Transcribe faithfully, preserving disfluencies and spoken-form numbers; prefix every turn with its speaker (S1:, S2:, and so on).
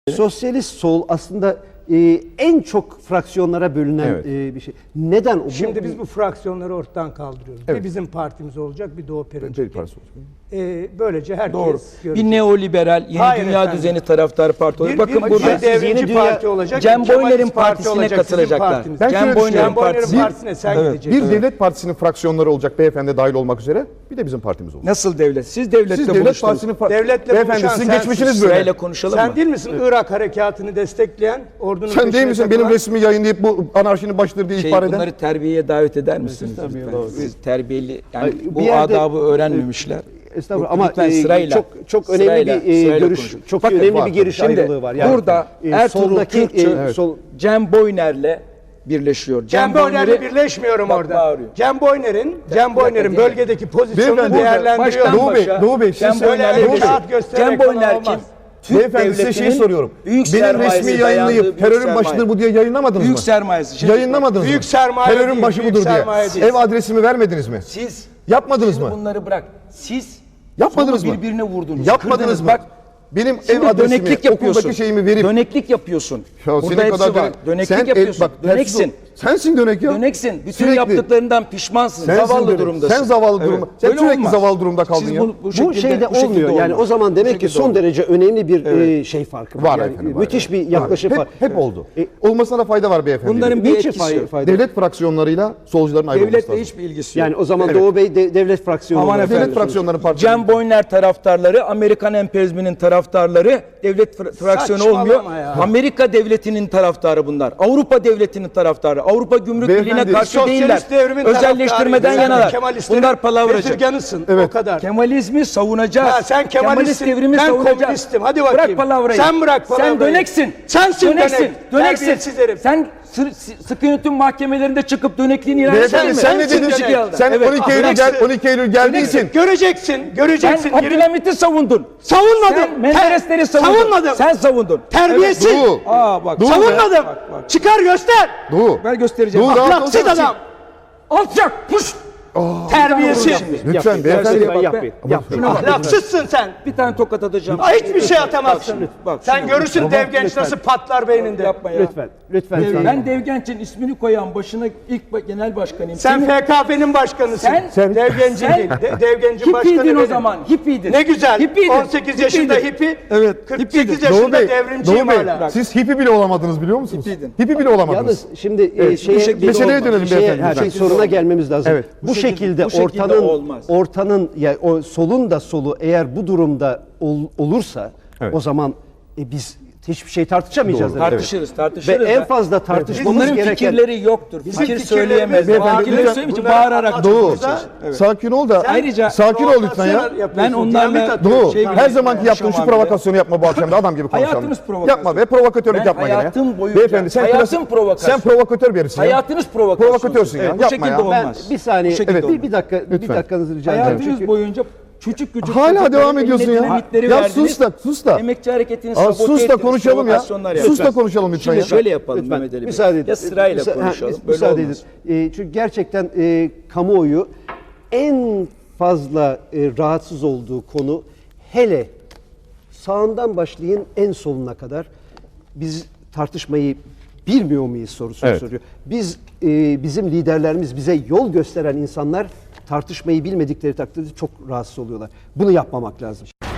S1: Sosyalist sol aslında e, en çok fraksiyonlara bölünen
S2: Evet.
S1: e, bir şey. Neden? Bu,
S3: Şimdi biz bu fraksiyonları ortadan kaldırıyoruz.
S2: Evet.
S3: Bir bizim partimiz olacak, bir Doğu
S2: Peri
S3: Perinçek.
S2: Partisi olacak.
S3: Ee, böylece herkes
S4: Doğru.
S3: görecek.
S4: Bir neoliberal, yeni
S3: Hayır
S4: dünya
S3: efendim.
S4: düzeni taraftarı parti olacak.
S3: Bir,
S4: Bakın
S3: bir,
S4: burada
S3: bir devrimci
S1: yeni dünya-
S3: parti olacak.
S4: Cem
S3: bir Kemalist
S4: Boyner'in
S3: parti
S4: partisine
S3: olacak, sizin
S4: katılacaklar.
S3: partiniz.
S2: Ben
S4: Cem
S2: şöyle
S4: Boyner'in
S3: Cem Boyner'in
S4: partisi.
S3: partisine sen
S2: Evet.
S3: gideceksin.
S2: Bir devlet partisinin fraksiyonları olacak, beyefendi dahil olmak üzere. Bir de bizim partimiz olacak.
S4: Nasıl devlet? Siz devlette
S2: Siz devlet
S4: buluştunuz.
S2: partisinin fa-
S3: Devletle
S2: beyefendi
S3: buluşan
S2: sizin
S3: sensin.
S2: geçmişiniz böyle.
S4: Sırayla konuşalım
S3: Sen
S4: mı?
S3: değil misin Irak harekatını destekleyen, ordunun
S2: Sen değil
S3: peşine
S2: misin
S3: takılan?
S2: benim resmi yayınlayıp bu anarşinin başıdır diye
S4: Şey,
S2: ihbar eden?
S4: bunları terbiyeye davet eder misiniz?
S1: Tabii,
S4: lütfen?
S1: doğru.
S4: Siz terbiyeli, yani
S1: Ay,
S4: bu
S1: bir yerde-
S4: adabı öğrenmemişler.
S1: Estağfurullah
S4: Bu-
S1: ama
S4: lütfen
S1: e,
S4: sırayla,
S1: çok çok önemli
S4: sırayla,
S1: bir e,
S4: sırayla
S1: görüş,
S4: konuşun.
S1: çok
S2: Bakın,
S1: önemli
S2: var.
S1: bir görüş
S4: Şimdi
S1: ayrılığı var.
S4: burada
S1: e,
S4: Ertuğrul
S1: soldaki,
S4: Kürkçü,
S1: e, sol,
S4: Cem Boyner'le birleşiyor.
S3: Cem Boyner'le birleşmiyorum
S4: Bak,
S3: orada.
S4: bağırıyor.
S3: Cem Boyner'in Cem Boyner'in
S4: dakika,
S3: bölgedeki pozisyonunu
S2: Beyefendi,
S3: değerlendiriyor.
S4: Baştan
S2: Doğu Bey,
S4: başa,
S2: Doğu Bey, siz
S4: Cem
S2: söyle,
S4: Boyner'le
S3: Doğu Bey.
S4: birleşiyor.
S3: Rahat göstererek
S4: Cem
S3: falan
S4: Boyner
S3: olmaz.
S4: kim? Türk
S2: Beyefendi size şeyi
S4: devletinin
S2: soruyorum.
S4: büyük
S2: Benim
S4: sermayesi
S2: resmi
S4: dayandığı
S2: yayınlayıp
S4: büyük
S2: terörün
S4: sermaye.
S2: başıdır bu diye yayınlamadınız
S4: Büyük
S2: mı?
S4: sermayesi. Şimdi
S2: Yayınlamadınız
S3: Büyük
S2: mı?
S3: sermaye
S2: Terörün
S3: değil,
S2: başı
S3: büyük
S2: budur diye.
S3: sermaye değil.
S2: Ev adresimi vermediniz mi?
S4: Siz
S2: Yapmadınız
S4: şimdi
S2: mı?
S4: bunları bırak. Siz
S2: Yapmadınız
S4: solu
S2: mı?
S4: birbirine vurdunuz.
S2: Yapmadınız
S4: kırdınız.
S2: mı?
S4: Bak,
S2: Benim
S4: şimdi
S2: ev adresimi,
S4: döneklik yapıyorsun.
S2: okuldaki şeyimi verip
S4: Döneklik yapıyorsun.
S2: Ya
S4: Burada
S2: senin
S4: hepsi
S2: kadar
S4: var.
S2: dönek-
S4: Döneklik
S2: sen el-
S4: yapıyorsun.
S2: bak, tersiz ol.
S4: Döneksin.
S2: Sensin dönek ya.
S4: Döneksin. Bütün
S2: Sürekli.
S4: yaptıklarından pişmansın.
S2: Sensin
S4: zavallı
S2: dönek.
S4: durumdasın.
S2: Sen zavallı durumda. Sen
S4: Öyle
S2: sürekli
S4: olmaz.
S2: zavallı durumda kaldın
S4: Siz
S2: ya.
S4: Bu, bu,
S1: bu
S4: şekilde,
S1: şeyde
S4: bu şekilde
S1: olmuyor. Yani
S4: olmaz.
S1: o zaman
S4: Bu
S1: demek ki
S4: şekilde
S1: son
S4: olmaz.
S1: derece önemli bir e, şey farkı var.
S2: Var
S1: Yani
S2: efendim, var.
S1: müthiş bir
S2: Var.
S1: yaklaşım
S2: hep,
S1: var.
S2: hep oldu.
S1: E,
S2: Olmasına da fayda var beyefendi.
S4: Bunların bir
S1: Niçin
S4: etkisi
S1: fayda,
S4: yok.
S1: fayda?
S2: Devlet fraksiyonlarıyla solcuların ayrılması
S4: Devletle
S2: lazım.
S4: hiçbir ilgisi yok.
S1: Yani o zaman
S2: Evet.
S1: Doğu Bey de, devlet fraksiyonu
S4: Aman
S1: olarak
S4: efendim.
S2: Devlet fraksiyonlarının partisi.
S4: Cem Boyner taraftarları, Amerikan emperyalizminin taraftarları, devlet fra- fraksiyonu
S3: Saçmalama
S4: olmuyor.
S3: ya.
S4: Amerika devletinin taraftarı bunlar. Avrupa devletinin taraftarı. Avrupa Gümrük
S2: Beyefendi,
S4: Birliği'ne karşı
S3: Sosyalist
S4: değiller.
S3: devrimin
S4: Özelleştirmeden
S3: taraftarıyız.
S4: yanalar.
S3: Sen Kemalistlerin
S4: Bunlar palavracı.
S3: bezirganısın.
S2: Evet.
S3: O kadar.
S4: Kemalizmi savunacağız.
S3: Ha, sen Kemalistsin,
S4: devrimi
S3: ben
S4: savunacağız.
S3: komünistim. Hadi bakayım.
S4: Bırak palavrayı.
S3: Sen bırak palavrayı.
S4: Sen döneksin.
S3: Sensin
S4: döneksin.
S3: dönek.
S4: Döneksin.
S3: Terbiyesiz herif.
S4: Sen sı- sı- sıkı yönetim mahkemelerinde çıkıp dönekliğini ilan
S2: Beyefendi
S4: edemezsin.
S2: sen ne
S3: Sensin
S2: dedin?
S3: dönek.
S2: Sen
S4: Evet.
S2: on iki Eylül gel on iki Eylül geldiysin.
S3: Göreceksin,
S4: Sen
S3: göreceksin. Yürü-
S4: Abdülhamit'i savundun.
S3: Savunmadım.
S4: Sen Menderesleri savundun.
S3: Savunmadım.
S4: Sen savundun.
S3: Terbiyesiz.
S2: Evet, Doğu.
S4: Aa bak.
S2: Doğu.
S3: Savunmadım.
S4: Bak, bak.
S3: Çıkar göster.
S2: Doğu.
S4: Ben göstereceğim.
S2: Doğu, rahat
S3: Ahlaksız
S2: olsana.
S3: adam.
S4: Alçak. Puş.
S3: Terbiyesiz.
S2: Lütfen
S1: Yapmayın,
S2: beyefendi.
S1: lütfen
S4: bak,
S1: yapmayın.
S4: bak.
S1: Yapmayın.
S4: Şuna bak.
S3: Ahlaksızsın sen.
S4: Bir tane tokat atacağım.
S3: Aa, Hiçbir şey atamazsın.
S4: Bak, bak,
S3: Sen
S4: şuna-
S3: görürsün
S1: Tamam,
S3: dev genç
S1: lütfen.
S3: nasıl patlar beyninde.
S4: Yapma ya.
S1: Lütfen, lütfen. lütfen.
S4: Ben Dev Genç'in ismini koyan başına ilk ba- genel başkanıyım.
S3: Sen
S4: Senin-
S3: F K P'nin başkanısın.
S4: Sen-
S3: Sen dev gencin
S4: sen-
S3: değil. De, dev gencin başkanı
S4: Hippiydin o
S3: benim.
S4: zaman. Hippiydin.
S3: Ne güzel.
S4: Hippiydin.
S3: on sekiz yaşında
S4: Hippiydin.
S3: hippi.
S4: Evet,
S3: kırk
S4: hippiydin.
S3: sekiz
S2: Doğu
S3: yaşında
S2: Bey,
S3: devrimciyim
S2: Doğu Bey,
S3: hala.
S2: siz hippi bile olamadınız biliyor musunuz?
S4: Hippiydin.
S2: Hippi bile olamadınız.
S1: Yalnız şimdi e,
S2: Evet,
S1: şeye,
S4: bu şekilde
S2: meseleye
S4: olmaz.
S2: dönelim
S1: şeye,
S2: beyefendi.
S1: her
S2: lütfen.
S1: şey soruna gelmemiz lazım.
S2: Evet.
S1: Bu,
S4: Bu şekilde-
S1: şekilde
S4: bu şekilde
S1: ortanın
S4: olmaz.
S1: ortanın ya o solun da solu eğer bu durumda ol- olursa
S2: Evet.
S1: o zaman e, biz hiçbir şey tartışamayacağız.
S2: Doğru.
S1: demek.
S4: Tartışırız,
S1: Ve
S4: tartışırız.
S1: en
S4: da-
S1: fazla tartışmamız
S4: Bunların
S1: gereken
S4: fikirleri yoktur.
S3: Bizim
S4: Fikir
S3: fikirlerimiz-
S4: söyleyemez.
S3: Beyefendi,
S4: Fikirleri
S2: lütfen
S4: söyleyince
S3: bunları
S4: bağırarak
S3: anlatın
S2: Doğu,
S3: bize.
S4: Evet.
S2: sakin ol da.
S4: Ayrıca-
S2: sakin ol lütfen ya.
S4: Ben onlarla-
S2: Doğu,
S4: Şey
S2: her
S4: bile-
S2: zamanki yaptığın şu
S4: konuşamam
S2: provokasyonu yapma bu akşam da adam gibi konuşalım.
S4: Hayatınız provokasyon.
S2: Yapma ve provokatörlük
S4: Ben
S2: yapma gene ya.
S4: hayatım boyunca-
S2: Beyefendi sen
S4: hayatım
S2: klasik-
S4: provokasyon.
S2: Sen provokatör bir herifsin ya.
S4: Hayatınız provokasyon.
S2: Provokatörsün ya,
S4: Bu
S2: yapma
S4: şekilde
S2: ya.
S1: ben
S4: olmaz.
S1: bir saniye
S4: Bu şekilde
S1: evet, bir,
S4: olmaz.
S1: bir dakika bir
S2: Lütfen.
S1: dakikanızı rica ederim.
S4: Hayatınız
S1: Çünkü
S4: boyunca küçük küçük
S2: Hala
S4: çocukların
S2: devam ediyorsun
S4: eline
S2: ya.
S4: dinamitleri
S2: Ya
S4: verdiniz.
S2: sus da, sus da.
S4: Emekçi hareketini
S2: Aa,
S4: sabote
S2: sus da
S4: ettiniz,
S2: konuşalım ya.
S4: provokasyonlar
S2: Sus da
S4: yaptınız.
S2: konuşalım lütfen
S4: Şimdi
S2: ya.
S4: şöyle yapalım
S1: Lütfen,
S4: Mehmet Ali Bey.
S1: müsaade edin.
S4: Ya sırayla
S1: Müsa- ha,
S4: konuşalım.
S1: müs-
S4: Böyle
S1: müsaade
S4: olmaz.
S1: edin. E, çünkü gerçekten e, kamuoyu en fazla e, rahatsız olduğu konu hele sağından başlayın en soluna kadar biz tartışmayı bilmiyor muyuz sorusunu
S2: Evet.
S1: soruyor. Biz e, bizim liderlerimiz bize yol gösteren insanlar tartışmayı bilmedikleri takdirde çok rahatsız oluyorlar. Bunu yapmamak lazım.